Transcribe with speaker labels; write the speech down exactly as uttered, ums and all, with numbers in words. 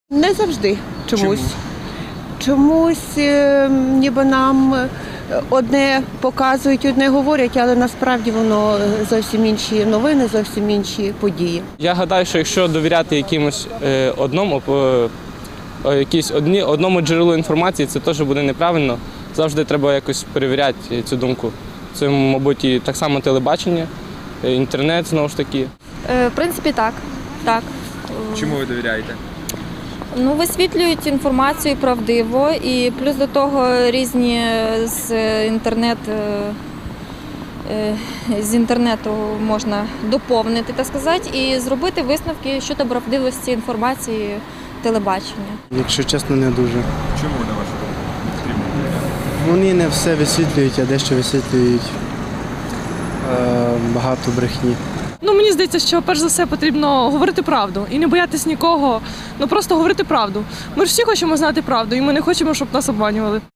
Speaker 1: Не завжди чомусь.
Speaker 2: Чому?
Speaker 1: Чомусь е, ніби нам одне показують, одне говорять, але насправді воно зовсім інші новини, зовсім інші події.
Speaker 3: Я гадаю, що якщо довіряти якимось е, одному, е, е, якійсь одні, одному джерелу інформації, це теж буде неправильно. Завжди треба якось перевіряти цю думку. Це, мабуть, і так само телебачення, е, інтернет, знову ж таки.
Speaker 4: Е, В принципі, так. так.
Speaker 2: Чому ви довіряєте?
Speaker 4: Ну, висвітлюють інформацію правдиво і плюс до того різні з інтернет, е, з інтернету можна доповнити, так сказати, і зробити висновки щодо правдивості інформації телебачення.
Speaker 5: Якщо чесно, не дуже.
Speaker 2: Чому, на вашу думку, потрібно довіряти?
Speaker 5: Вони не все висвітлюють, а дещо висвітлюють е, багато брехні.
Speaker 6: Ну, мені здається, що перш за все потрібно говорити правду і не боятись нікого, ну просто говорити правду. Ми ж всі хочемо знати правду, і ми не хочемо, щоб нас обманювали.